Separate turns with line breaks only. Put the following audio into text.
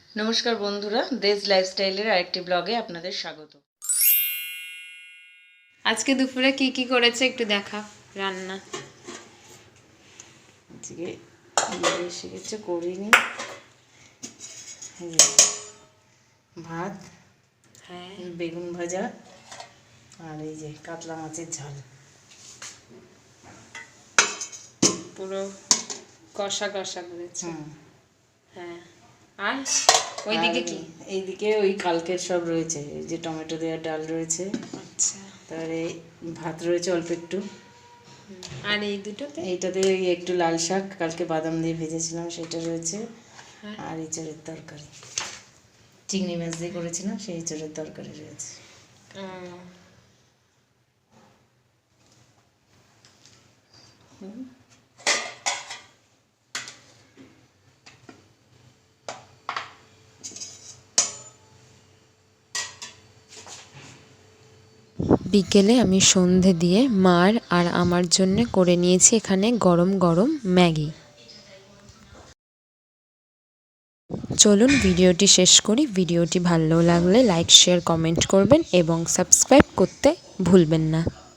নমস্কার বন্ধুরা, দেশ লাইফস্টাইলের আরেকটি ব্লগে আপনাদের স্বাগত।
আজকে দুপুরে কি কি করেছে একটু দেখা রান্না?
আজকে এসে কিছু করিনি। ভাত,
হ্যাঁ,
বেগুন ভাজা আর এই যে কাতলা মাছের ঝাল।
পুরো কষা কষা করেছে। হ্যাঁ, আর ওইদিকে কি?
এইদিকে ওই কালকের সব রয়েছে, এই যে টমেটো দেওয়ার ডাল রয়েছে,
আচ্ছা,
তারপরে ভাত রয়েছে অল্প একটু।
আর এই দুটোতে
এইটাতে একটু লাল শাক কালকে বাদাম দিয়ে ভেজেছিলাম সেটা রয়েছে।
হ্যাঁ।
আর এঁচড়ের তরকারি, চিংড়ি মাছ দিয়ে করেছিলাম, সেই এঁচড়ের তরকারি রয়েছে।
বিকেলে আমি সন্ধে দিয়ে মার আর আমার জন্য করে নিয়েছি এখানে গরম গরম ম্যাগি। চলুন ভিডিওটি শেষ করি। ভিডিওটি ভালো লাগলে লাইক শেয়ার কমেন্ট করবেন এবং সাবস্ক্রাইব করতে ভুলবেন না।